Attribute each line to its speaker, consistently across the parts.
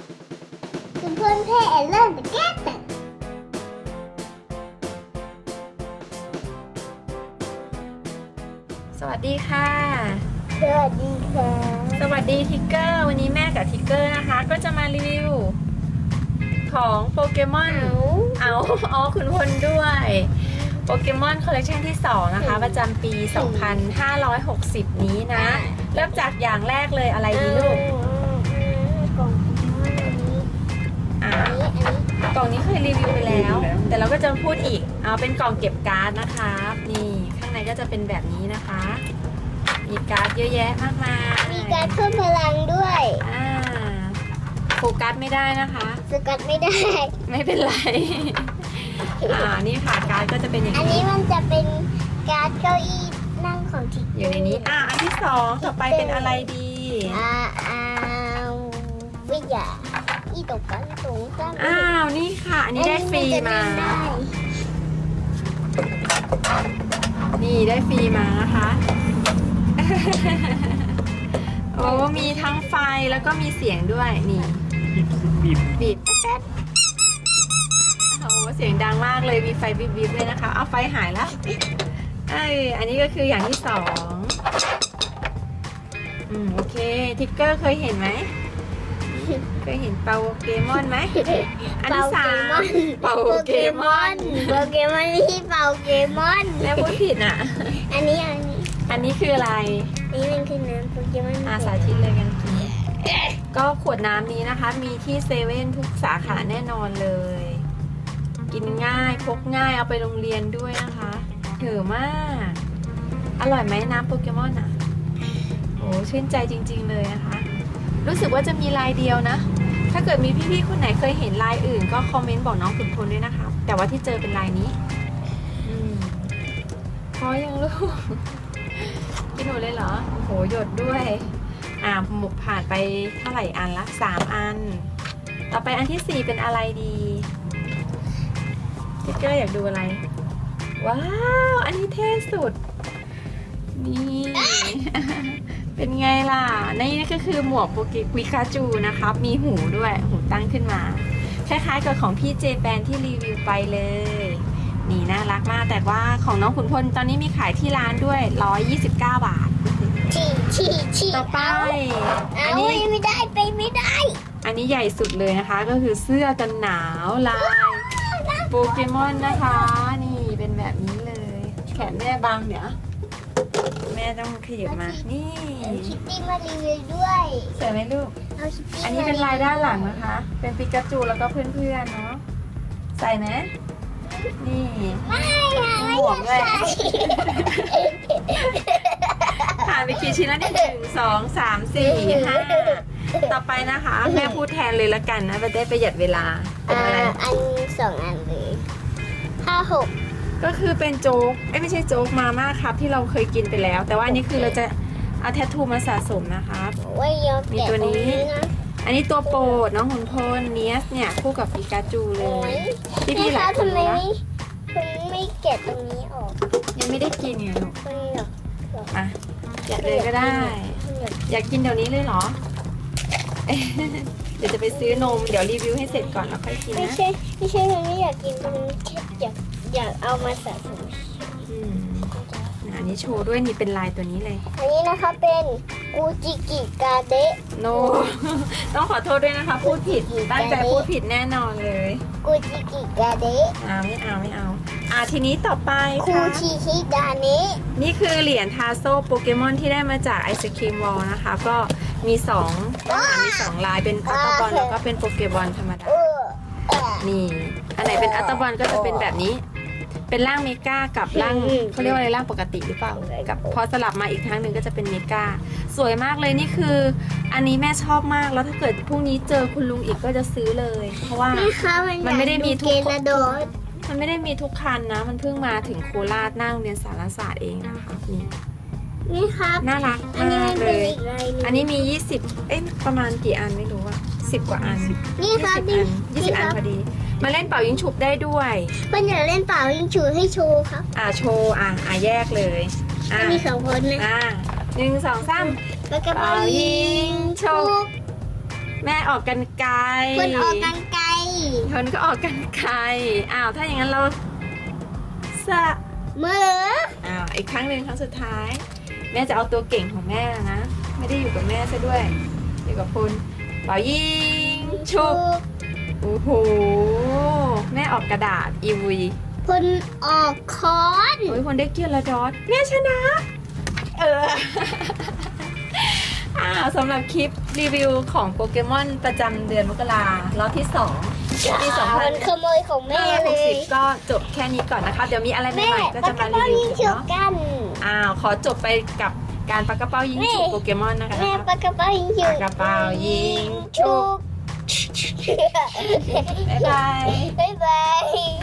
Speaker 1: คุณเพื่อนเพ่เริ่มจะแก้แต่
Speaker 2: สวัสดีค่ะ
Speaker 1: สวัสดีค่ะ
Speaker 2: สวัสดีทิกเกอร์วันนี้แม่กับทิกเกอร์นะคะก็จะมารีวิวของโปเกมอนอ๋อคุณพลด้วยโปเกมอนคอลเลคชันที่2นะคะประจำปี 2560 นี้นะเริ่มจากอย่างแรกเลยอะไรดีลูก
Speaker 1: กล่อง
Speaker 2: กล่องนี้เคยรีวิวไปแล้ว แต่เราก็จะพูดอีกเอาเป็นกล่องเก็บการ์ดนะคะนี่ข้างในก็จะเป็นแบบนี้นะคะมีการ์ดเยอะแยะมากมาย
Speaker 1: มีการเพิ่มพลังด้วย
Speaker 2: โฟกัสไม่ได้นะคะ
Speaker 1: สกัดไม่ได้
Speaker 2: ไม่เป็นไร นี่ค่ะการ์ดก็จะเป็นอย่าง
Speaker 1: อันนี้
Speaker 2: นี้
Speaker 1: มันจะเป็นการ์ดเก้าอี้นั่งของทิก
Speaker 2: อยู่ในนี้อันที่2ต่อไปเป็นอะไรดี
Speaker 1: วิทยาอีตกกันสูงสั้น
Speaker 2: นี่ค่ะ อันนี้ได้ฟรีมา นี่ได้ฟรีมานะคะ โอ้มีทั้งไฟแล้วก็มีเสียงด้วยนี่บีบแป๊ดโอ้เสียงดังมากเลยมีไฟบีบเลยนะคะเอาไฟหายแล้วอันนี้ก็คืออย่างที่2โอเคทิกเกอร์เคยเห็นไหมเคยเห็นเปาเกมอนไหมอันที่3เปาเกมอน
Speaker 1: ที่เป่าเกมอน
Speaker 2: แล้วพูดผิดอ่ะ
Speaker 1: อันนี้
Speaker 2: คืออะไร
Speaker 1: นี่มันคือน้ำโปเกมอน
Speaker 2: สาธิตเลยกันก็ขวดน้ำนี้นะคะ มีที่เซเว่นทุกสาขาแน่นอนเลย กินง่ายพกง่ายเอาไปโรงเรียนด้วยนะคะถือมากอร่อยไหมน้ำโปเกมอนอ่ะโอ้ชื่นใจจริงๆเลยนะคะรู้สึกว่าจะมีลายเดียวนะถ้าเกิดมีพี่ๆคนไหนเคยเห็นลายอื่นก็คอมเมนต์บอกน้องขุนพลด้วยนะคะแต่ว่าที่เจอเป็นลายนี้พอยังลูกกินหมดเลยเหรอโหหยดด้วยหมุกผ่านไปเท่าไหร่อันละ3อันต่อไปอันที่4เป็นอะไรดีทิกเกอร์อยากดูอะไรว้าวอันนี้เท่สุดนี่ เป็นไงล่ะนี่ก็คือหมวกโปเกปิกาจูนะครับมีหูด้วยหูตั้งขึ้นมาคล้ายๆกับของพี่เจแปนที่รีวิวไปเลยนี่น่ารักมากแต่ว่าของน้องขุนพลตอนนี้มีขายที่ร้านด้วย129 บาทต่อไปอันนี้
Speaker 1: ไม่ได้ไปไม่ได้
Speaker 2: อันนี้ใหญ่สุดเลยนะคะก็คือเสื้อกันหนาวลายโปเกมอนนะคะนี่เป็นแบบนี้เลยแขนแม่บางเดี๋ยวแม่ต้องขยับมานี่
Speaker 1: คิตตี้มารีวิวด้วย
Speaker 2: สวยไหมลูกอันนี้เป็นลายด้านหลังนะคะเป็นปิกาจูแล้วก็เพื่อนๆเนาะใส่ไหมนี่หมวกเลยผ่านไปกี่ชิ้นแล้วเนี่ย1 2 3 4 5ต่อไปนะคะแม่พูดแทนเลยละกันนะจะได้ประหยัดเวลาเป็นอะไร
Speaker 1: อัน2 อันเลย5 6
Speaker 2: ก็คือเป็นโจ๊กไม่ใช่โจ๊กมาม่าครับที่เราเคยกินไปแล้วแต่ว่าอันนี้คือเราจะเอาแทททูมาสะสมนะคะมีตัวนี้อันนี้ตัวโปรดน้องขุนพลเนียสเนี่ยคู่กับปิกาจูเลยพี่หลายคนนะ
Speaker 1: คุณไม่แกะตรงนี้ออก
Speaker 2: ยังไม่ได้กินไงลูกแกะเลยก็ได้อยากกินเดี๋ยวนี้เลยเหรอเดี๋ยวจะไปซื้อนมเดี๋ยวรีวิวให้เสร็จก่อนแล้วค่อยกินนะ
Speaker 1: ไม่ใช่คุณไม่อยากกินคุณแค่อยากเอามาสะสม
Speaker 2: อันนี้โชว์ด้วยนี่เป็นลายตัวนี้เลย
Speaker 1: อันนี้นะคะเป็นกูจิกิกาเดะ
Speaker 2: ต้องขอโทษด้วยนะคะพูดผิดตั้งใจพูดผิดแน่นอนเลย
Speaker 1: กูจิกิกาเดะ
Speaker 2: ไม่เอาทีนี้ต่อไป
Speaker 1: คูชิฮิดาเนะ
Speaker 2: นี่คือเหรียญทาโซ่โปเกมอนที่ได้มาจากไอศครีมวอลนะคะก็มี2ลายเป็นอัลตบอลแล้วก็เป็นโปเกมอนธรรมดานี่อันไหนเป็นอัลตบอลก็จะเป็นแบบนี้เป็นร่างเมกากับร่างเขาเรียกว่าอะไรร่างปกติหรือเปล่ากับพอสลับมาอีกครั้งหนึ่งก็จะเป็นเมกาสวยมากเลยนี่คืออันนี้แม่ชอบมากแล้วถ้าเกิดพรุ่งนี้เจอคุณลุงอีกก็จะซื้อเลยเพราะว่ามันไม่ได้มีทุกมันไม่ได้มีทุกคันนะมันเพิ่งมาถึงโคราชหน้าโรงเรียนสารศาสตร์เองนะคะ
Speaker 1: นี่ครับ
Speaker 2: น่ารักมากเลยอันนี้มี20ประมาณกี่อันไม่รู้อะ10 กว่าอัน
Speaker 1: นี่ครับ
Speaker 2: 20 อันพอดีมาเล่นเป่ายิงฉุบได้ด้วย
Speaker 1: เพื่อนอยากเล่นเป่ายิงฉุบให้โชว์ครับ
Speaker 2: โชว์แยกเลย
Speaker 1: มี2 คนนะ
Speaker 2: 1 2 3
Speaker 1: เป่ายิงฉุบ
Speaker 2: แม่ออกกันไกล
Speaker 1: คนออกกันไกล
Speaker 2: คนก็ออกกันไกลอ้าวถ้าอย่างนั้นเราสะ
Speaker 1: มือ
Speaker 2: อ้าวอีกครั้งหนึ่งครั้งสุดท้าย แม่จะเอาตัวเก่งของแม่นะ ไม่ได้อยู่กับแม่ซะด้วยอยู่กับคุณเป่ายิงชุบโอ้โหแม่ออกกระดาษอีวี
Speaker 1: คนออกค้อน
Speaker 2: โอ้ยคนได้เกียร์ละดอทแม่ชนะ อ้าวสำหรับคลิปรีวิวของโปเกมอนประจำเดือนมกรารอบที่2ปี
Speaker 1: มันขโมยของแม่เลย
Speaker 2: 2560ก็จบแค่นี้ก่อนนะคะ เดี๋ยวมีอะไรให
Speaker 1: แม่
Speaker 2: ม่ๆก็
Speaker 1: ปา
Speaker 2: จะ
Speaker 1: ก
Speaker 2: มา
Speaker 1: ระ
Speaker 2: รี
Speaker 1: เป๋า
Speaker 2: วิ
Speaker 1: ยิ
Speaker 2: ว
Speaker 1: ง
Speaker 2: อีก
Speaker 1: ฉุบ
Speaker 2: เนาะ
Speaker 1: กัน
Speaker 2: อ้าวขอจบไปกับการปากกระเป๋ายิงฉุบโปเกมอนนะคะ
Speaker 1: แม่ปากกระเป๋ายิงฉุ
Speaker 2: ปา
Speaker 1: บ
Speaker 2: กกระเป๋ายิงฉุ
Speaker 1: ฉุ
Speaker 2: บบบ๊ายบาย
Speaker 1: บ๊ายบาย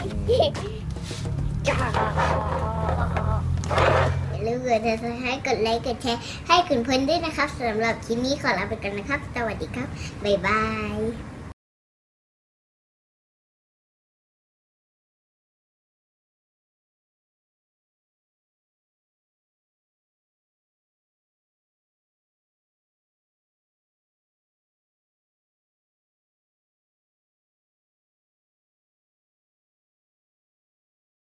Speaker 1: อย่าลืมกดติดตามให้กดไลค์กดแชร์ให้คุณเพื่อนด้วยนะครับสำหรับคลิปนี้ขอลาไปกันนะครับ สวัสดีครับ บ๊ายบาย